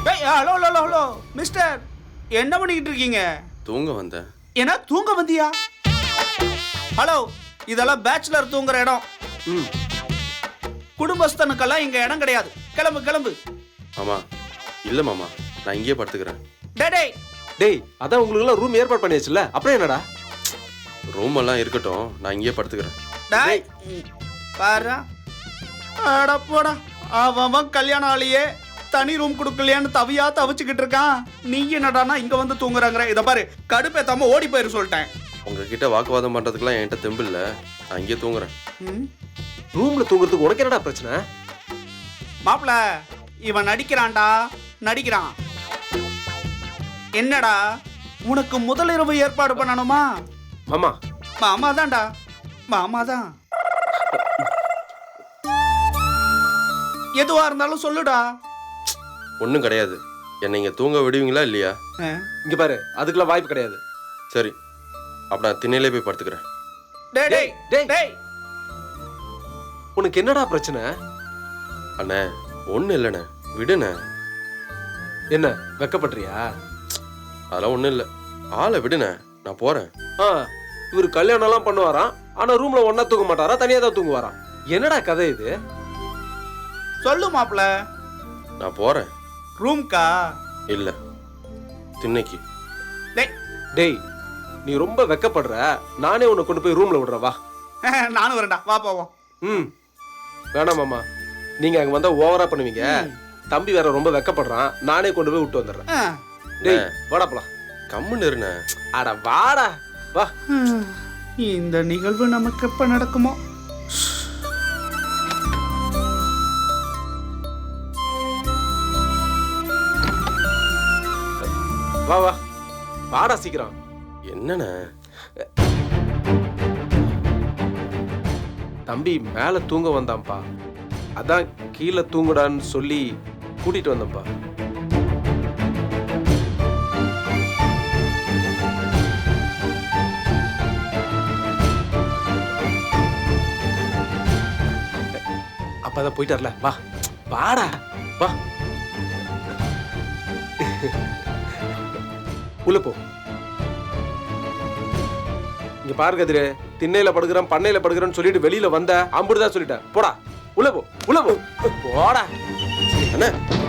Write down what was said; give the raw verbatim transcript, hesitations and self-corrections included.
ஏய் hello hello hello mister, என்ன பண்ணிக்கிட்டு இருக்கீங்க? தூங்க வந்தேன். என்ன தூங்க வந்தியா? ஹலோ, இதெல்லாம் பேச்சுலர் தூங்குற இடம். ம். குடும்பஸ்தனுக்கெல்லாம் இங்க இடம் கிடையாது. கிளம்பு கிளம்பு. மாமா இல்ல மாமா, நான் இங்கேயே படுத்துக்கிறேன். டேய் டேய் டேய், அதான் உங்களுக்கு எல்லாம் ரூம் ஏற்பாடு பண்ணியாச்சுல, அப்புறம் என்னடா? ரூம் எல்லாம் இருக்கட்டும், நான் இங்கேயே படுத்துக்கிறேன். டேய் பாரு, அட போடா, அவன் கல்யாண ஆளியே தனி ரூம் கொடுக்கலையான்னு தவியா தவிச்சுக்கிட்டு இருக்கான். நீ என்னடானா இங்க வந்து தூங்குறாங்கற? இத பாரு, கடுப்பேத்தாம ஓடி போயிரு சொல்லிட்டேன். உங்ககிட்ட வாக்குவாதம் பண்றதுக்குலாம் என்கிட்ட தெம்பு இல்ல, நான் இங்கேயே தூங்குறேன். ரூம்ல தூங்குறதுக்கு உனக்கு என்னடா பிரச்சனை? மாப்ள, இவன் நடிக்கிறான்டா, நடிக்கிறான். என்னடா உனக்கு முதலிரவு ஏற்பாடு பண்ணணுமா? மாமா மாமா தான்டா, மாமா தான். எதுவா இருந்தாலும் சொல்லுடா. ஒன்றும் கிடையாது. என்னை இங்கே தூங்க விடுவீங்களா இல்லையா? இங்க பாரு, அதுக்கெல்லாம் வாய்ப்பு கிடையாது. சரி, அப்ப நான் திண்ணையிலே போய் படுத்துக்கிறேன். டேய் டேய் டேய். டேய், உனக்கு என்னடா பிரச்சனை? அண்ணே ஒன்றும் இல்லைண்ணே, விடுண்ணே. என்ன வெக்கப்படுறியா? அதெல்லாம் ஒன்றும் இல்லை, ஆளை விடுண்ணே, நான் போகிறேன். ஆ, இவர் கல்யாணம் எல்லாம் பண்ணுவாராம், ஆனா ரூம்ல ஒன்னா தூங்க மாட்டாரா, தனியா தான் தூங்குவாராம். என்னடா கதை இது? சொல்லு மாப்ள. நான் போகிறேன். ரூம்கா? இல்லை, திண்ணைக்கு. டேய் டேய், நீ ரொம்ப வெக்கப்படுற, நானே உன்னை கொண்டு போய் ரூம்ல விடுறேன், வா. நானும் வரேன்டா, வா போவோம். ம், வேணாம் மாமா, நீங்க அங்க வந்தா ஓவரா பண்ணுவீங்க. தம்பி வேற ரொம்ப வெக்கப்படுறான், நானே கொண்டு போய் விட்டு வந்துடுறேன். டேய் வாடா போலாம். கம்முன்னு இருண்ணே. அட வாடா வா. இந்த நிகழ்வு நமக்கு எப்ப நடக்குமோ? வா வா வாடா சீக்கிரம். என்னண்ணே? தம்பி மேல தூங்க வந்தான்ப்பா, அதான் கீழே தூங்குடான்னு சொல்லி கூட்டிட்டு வந்தேன்ப்பா. அப்பதான் போயிட்டார்ல, வா வாடா வா. உள்ள போ. இங்க பாரு கதிரு, திண்ணையில படுக்கிறேன் பண்ணையில படுக்கிறேன்னு சொல்லிட்டு வெளியில வந்த அம்புடுதான் சொல்லிட்டேன். போடா உள்ள போ, உள்ள போ, போடா. அண்ணே